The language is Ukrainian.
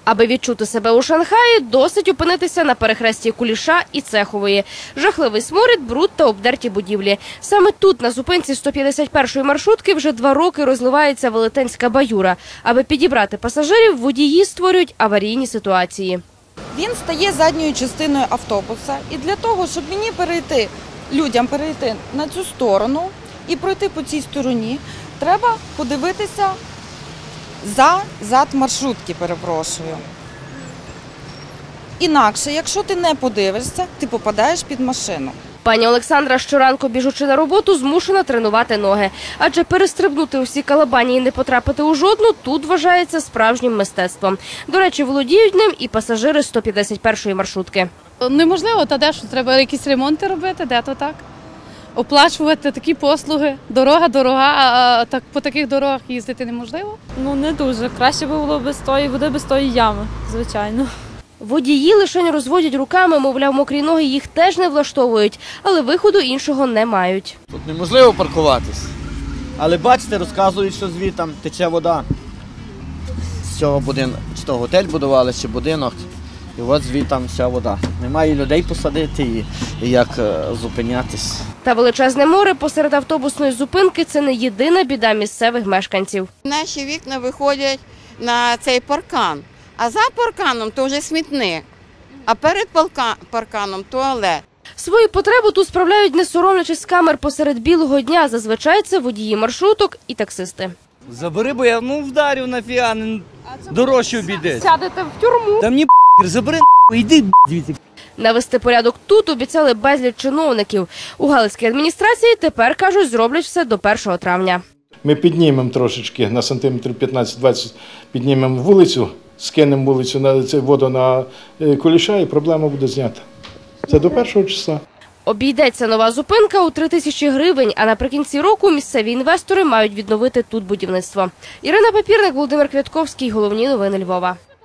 Аби відчути себе у Шанхаї, досить опинитися на перехресті Куліша і Цехової. Жахливий сморід, бруд та обдерті будівлі. Саме тут, на зупинці 151-ї маршрутки, вже 2 роки розливається велетенська баюра. Аби підібрати пасажирів, водії створюють аварійні ситуації. Він стає задньою частиною автобуса, і для того, щоб людям перейти на цю сторону і пройти по цій стороні, треба подивитися зад маршрутки, перепрошую. Інакше, якщо ти не подивишся, ти попадаєш під машину. Пані Олександра щоранку, біжучи на роботу, змушена тренувати ноги. Адже перестрибнути усі калабані і не потрапити у жодну тут вважається справжнім мистецтвом. До речі, володіють ним і пасажири 151-ї маршрутки. Неможливо, та де що, треба якісь ремонти робити, де то так. Оплачувати такі послуги. Дорога дорога, а так по таких дорогах їздити неможливо. Ну, не дуже. Краще би було без тої води, без тої ями, звичайно. Водії лише розводять руками, мовляв, мокрі ноги їх теж не влаштовують, але виходу іншого не мають. Тут неможливо паркуватись. Але бачите, розказують, що звідти тече вода. З цього будинку, чи то готель будували, чи будинок. І от звідти вся вода. Немає людей посадити і як зупинятись. Та величезне море посеред автобусної зупинки – це не єдина біда місцевих мешканців. Наші вікна виходять на цей паркан, а за парканом то вже смітник, а перед парканом туалет. Свою потребу тут справляють, не соромлячись з камер посеред білого дня. Зазвичай це водії маршруток і таксисти. Забери, бо я вдарю нафіга, дорожче обійдеться. Сядете в тюрму. Та мені забери, йди звідси. Навести порядок тут обіцяли безліч чиновників. У Галицькій адміністрації тепер, кажуть, зроблять все до 1 травня. Ми піднімемо трошечки, на сантиметрів 15-20 піднімемо вулицю, скинемо вулицю на воду на Куліша і проблема буде знята. Це до 1 числа. Обійдеться нова зупинка у 3000 гривень, а наприкінці року місцеві інвестори мають відновити тут будівництво. Ірина Папірник, Володимир Квятковський. Головні новини Львова.